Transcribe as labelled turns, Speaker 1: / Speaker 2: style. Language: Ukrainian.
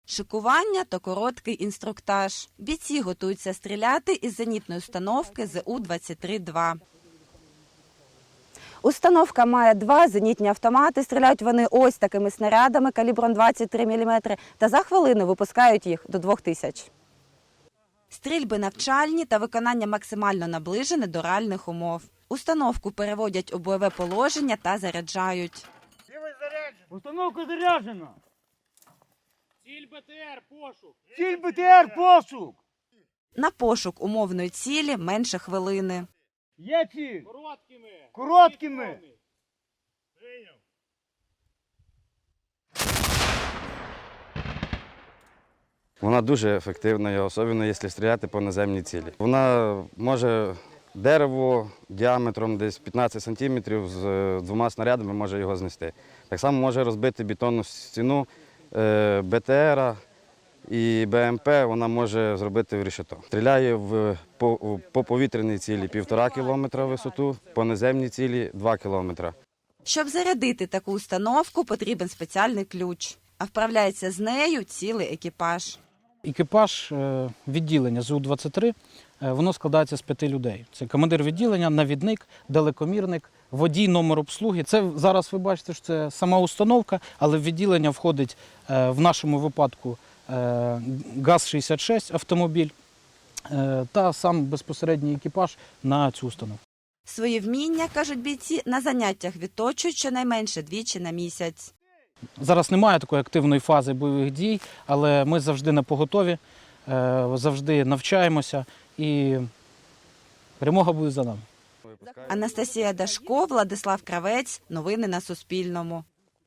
Speaker 1: Шикування та короткий інструктаж. Бійці готуються стріляти із зенітної установки ЗУ-23-2. Установка має 2 зенітні автомати. Стріляють вони ось такими снарядами калібром 23 мм та за хвилину випускають їх до 2000. Стрільби навчальні та виконання максимально наближене до реальних умов. Установку переводять у бойове положення та заряджають.
Speaker 2: Установка заряджена.
Speaker 3: Ціль БТР, пошук.
Speaker 2: Ціль БТР, пошук.
Speaker 1: На пошук умовної цілі менше хвилини.
Speaker 2: Є ціль.
Speaker 3: Короткими.
Speaker 2: Короткими.
Speaker 4: Вона дуже ефективна, особливо якщо стріляти по наземній цілі. Вона може дерево діаметром десь 15 см з 2 снарядами може його знести. Так само може розбити бетонну стіну БТР і БМП, вона може зробити в решето. Стріляє по повітряній цілі 1,5 кілометра висоту, по наземній цілі 2 кілометри.
Speaker 1: Щоб зарядити таку установку, потрібен спеціальний ключ. А вправляється з нею цілий екіпаж.
Speaker 5: Екіпаж відділення ЗУ-23, воно складається з 5 людей. Це командир відділення, навідник, далекомірник, водій, номер обслуги. Це зараз ви бачите, що це сама установка, але в відділення входить в нашому випадку ГАЗ-66 автомобіль та сам безпосередній екіпаж на цю установку.
Speaker 1: Свої вміння, кажуть бійці, на заняттях відточують щонайменше 2 на місяць.
Speaker 5: Зараз немає такої активної фази бойових дій, але ми завжди напоготові, завжди навчаємося і перемога буде за нами.
Speaker 1: Анастасія Дашко, Владислав Кравець. Новини на Суспільному.